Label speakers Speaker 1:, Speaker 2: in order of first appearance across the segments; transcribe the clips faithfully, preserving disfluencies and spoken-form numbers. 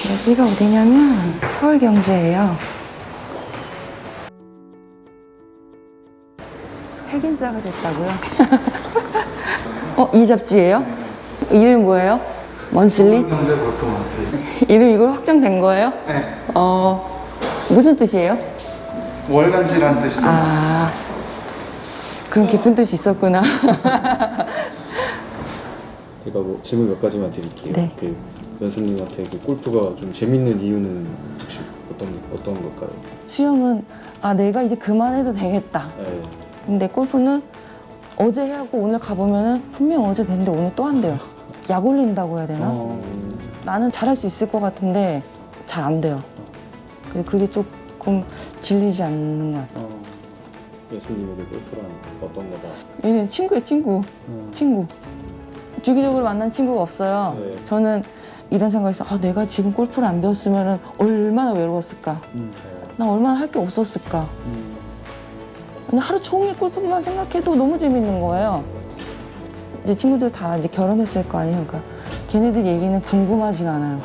Speaker 1: 여기가 어디냐면 서울경제예요. 핵인싸가 됐다고요? 어, 이 잡지예요? 이름 뭐예요? 먼슬리?
Speaker 2: 서울경제 보통 먼슬리.
Speaker 1: 이름 이걸 확정된 거예요?
Speaker 2: 네.
Speaker 1: 어, 무슨 뜻이에요?
Speaker 2: 월간지라는 뜻인데.
Speaker 1: 아, 그런 깊은 뜻이 있었구나.
Speaker 3: 제가 뭐 질문 몇 가지만 드릴게요.
Speaker 1: 네.
Speaker 3: 그 연수님한테 그 골프가 좀 재밌는 이유는 혹시 어떤 어떤 걸까요?
Speaker 1: 수영은 아 내가 이제 그만해도 되겠다.
Speaker 3: 네.
Speaker 1: 근데 골프는 어제 하고 오늘 가보면은 분명 어제 됐는데 오늘 또 한대요. 약 올린다고 해야 되나?
Speaker 3: 어,
Speaker 1: 나는 잘할 수 있을 것 같은데 잘 안 돼요. 그래서 그게 조금 질리지 않는 것 같아요.
Speaker 3: 어, 연수님에게 골프란 어떤 거다?
Speaker 1: 얘는 친구예요, 친구.
Speaker 3: 음.
Speaker 1: 친구. 주기적으로 만난 친구가 없어요.
Speaker 3: 네.
Speaker 1: 저는 이런 생각에서 아 내가 지금 골프를 안 배웠으면 얼마나 외로웠을까.
Speaker 3: 음.
Speaker 1: 나 얼마나 할 게 없었을까.
Speaker 3: 음.
Speaker 1: 그냥 하루 종일 골프만 생각해도 너무 재밌는 거예요. 이제 친구들 다 이제 결혼했을 거 아니에요. 그러니까 걔네들 얘기는 궁금하지가 않아요.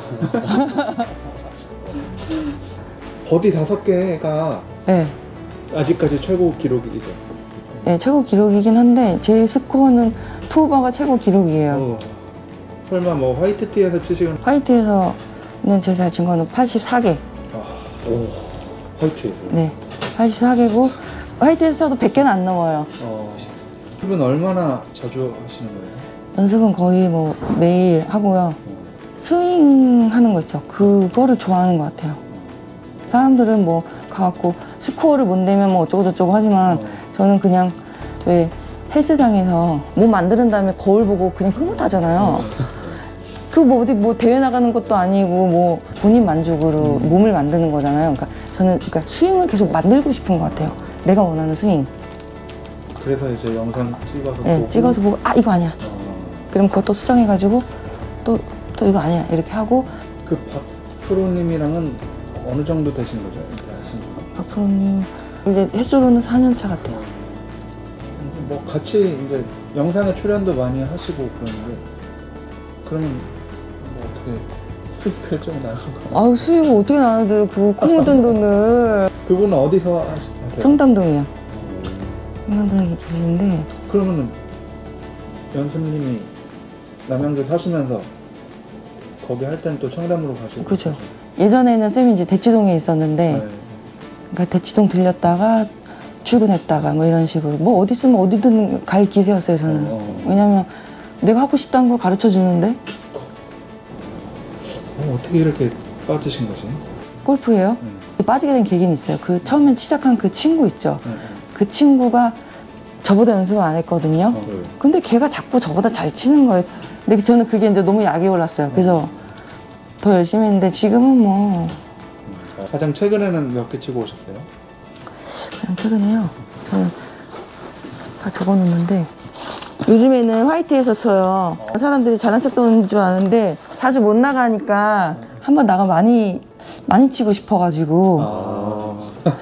Speaker 2: 버디 다섯 개가
Speaker 1: 네.
Speaker 2: 아직까지 최고 기록이죠.
Speaker 1: 네, 최고 기록이긴 한데 제일 스코어는 투오버가 최고 기록이에요.
Speaker 2: 어. 설마 뭐 화이트티에서 치시는?
Speaker 1: 화이트에서는 제가 진 거는 팔십사 개.
Speaker 2: 아,
Speaker 3: 오, 화이트에서.
Speaker 1: 네, 팔십사 개고 화이트에서 쳐도 백 개는 안 넘어요.
Speaker 2: 어. 이분 얼마나 자주 하시는 거예요?
Speaker 1: 연습은 거의 뭐 매일 하고요. 스윙 하는 거 있죠. 그거를 좋아하는 것 같아요. 사람들은 뭐 가갖고 스코어를 못 내면 뭐 어쩌고저쩌고 하지만
Speaker 2: 어.
Speaker 1: 저는 그냥 왜 헬스장에서 몸 만드는 다음에 거울 보고 그냥 흐뭇하잖아요. 그 뭐 어디 뭐 대회 나가는 것도 아니고 뭐 본인 만족으로 몸을 만드는 거잖아요. 그러니까 저는 그러니까 스윙을 계속 만들고 싶은 것 같아요. 내가 원하는 스윙.
Speaker 2: 그래서 이제 영상 찍어서
Speaker 1: 네,
Speaker 2: 보고.
Speaker 1: 찍어서 보고 아 이거 아니야.
Speaker 2: 어.
Speaker 1: 그럼 그것도 수정해가지고 또 또 이거 아니야 이렇게 하고.
Speaker 2: 그 박프로님이랑은 어느 정도 되신 거죠? 이렇게 하신 거?
Speaker 1: 박프로님 이제 횟수로는 사 년 차 같아요.
Speaker 2: 뭐 같이 이제 영상에 출연도 많이 하시고 그러는데 그러면 뭐 어떻게 수익을 좀 나는 거?
Speaker 1: 아우 수익을 어떻게 나눠드려 그 코 묻은 돈을.
Speaker 2: 그분은 어디서 하세요?
Speaker 1: 청담동이요. 청담동에 계시는데
Speaker 2: 그러면은 연수님이 남양주 사시면서 거기 할 때는 또 청담으로 가시고.
Speaker 1: 그죠. 예전에는 쌤이 이제 대치동에 있었는데
Speaker 2: 네.
Speaker 1: 그러니까 대치동 들렸다가 출근했다가 뭐 이런 식으로 뭐 어디 있으면 어디든 갈 기세였어요 저는.
Speaker 2: 어.
Speaker 1: 왜냐면 내가 하고 싶다는 걸 가르쳐 주는데.
Speaker 2: 어, 어떻게 이렇게 빠지신 거지?
Speaker 1: 골프예요.
Speaker 2: 음.
Speaker 1: 빠지게 된 계기는 있어요. 그 처음에 시작한 그 친구 있죠.
Speaker 2: 네, 네.
Speaker 1: 그 친구가 저보다 연습을 안 했거든요.
Speaker 2: 어,
Speaker 3: 네.
Speaker 1: 근데 걔가 자꾸 저보다 잘 치는 거예요. 근데 저는 그게 이제 너무 약이 올랐어요. 그래서 더 열심히 했는데 지금은 뭐
Speaker 2: 가장 최근에는 몇 개 치고 오셨어요?
Speaker 1: 그냥 최근에요. 저는 다 적어놓는데 요즘에는 화이트에서 쳐요. 사람들이 잘난 척 도는 줄 아는데 자주 못 나가니까 한번 나가 많이 많이 치고 싶어가지고
Speaker 2: 아.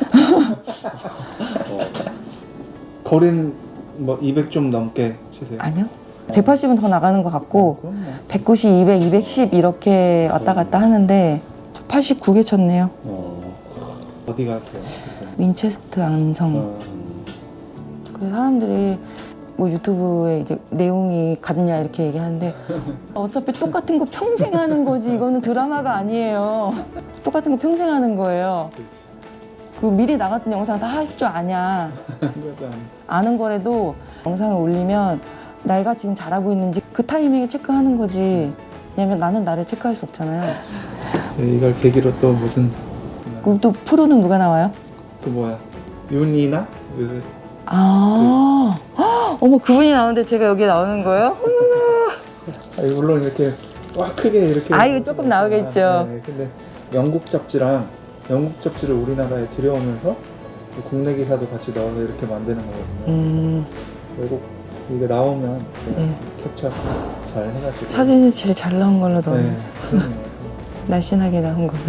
Speaker 2: 거리는 뭐 이백 좀 넘게 치세요?
Speaker 1: 아니요. 백팔십은 더 나가는 것 같고
Speaker 2: 그럼 뭐.
Speaker 1: 백구십, 이백, 이백십 이렇게 왔다 갔다 하는데 팔십구 개 쳤네요.
Speaker 3: 어,
Speaker 2: 어디 가세요?
Speaker 1: 윈체스트 안성.
Speaker 2: 어.
Speaker 1: 그래서 사람들이 뭐 유튜브에 이게 내용이 같냐 이렇게 얘기하는데 어차피 똑같은 거 평생 하는 거지 이거는 드라마가 아니에요. 똑같은 거 평생 하는 거예요. 그 미리 나갔던 영상 다 할 줄 아냐.
Speaker 2: 약간
Speaker 1: 아는 거라도 영상을 올리면 내가 지금 잘하고 있는지 그 타이밍에 체크하는 거지. 왜냐면 나는 나를 체크할 수 없잖아요.
Speaker 2: 네, 이걸 계기로 또 무슨
Speaker 1: 그럼 또 프로는 누가 나와요?
Speaker 2: 그 뭐야 윤이나 요새
Speaker 1: 아, 헉, 어머 그분이 나오는데 제가 여기 나오는 거예요?
Speaker 2: 아니, 물론 이렇게 와 크게 이렇게
Speaker 1: 아, 이거 조금 나오겠죠.
Speaker 2: 네, 근데 영국 잡지랑 영국 잡지를 우리나라에 들여오면서 국내 기사도 같이 넣어서 이렇게 만드는 거거든요.
Speaker 1: 음,
Speaker 2: 외국 이게 나오면
Speaker 1: 네.
Speaker 2: 캡처 잘 해가지고
Speaker 1: 사진이 제일 잘 나온 걸로 넣어요.
Speaker 2: 네, 그러네요.
Speaker 1: 날씬하게 나온 걸로.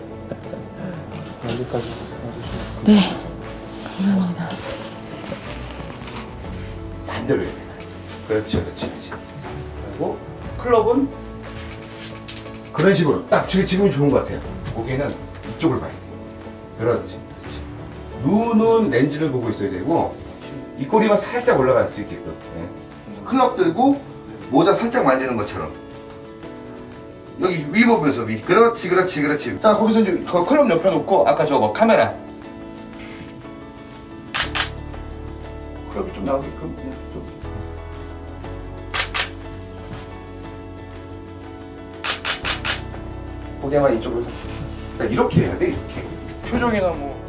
Speaker 2: 여기까지 와주시면
Speaker 1: 네, 감사합니다.
Speaker 4: 반대로 해야 돼. 그렇죠, 그렇죠, 그렇죠. 그리고 클럽은 그런 그런 식으로 딱 지금 지금이 좋은 것 같아요. 고개는 이쪽을 봐야 돼. 그렇지. 눈은 렌즈를 보고 있어야 되고 입꼬리만 살짝 올라갈 수 있게끔. 예. 클럽 들고 모자 살짝 만지는 것처럼. 여기 위 보면서 위. 그렇지, 그렇지, 그렇지. 자, 거기서 이제 그 클럽 옆에 놓고 아까 저거 카메라. 클럽이 좀 나오게끔. 예, 좀. 고개만 이쪽으로. 그러니까 이렇게 해야 돼, 이렇게. 표정이나 뭐.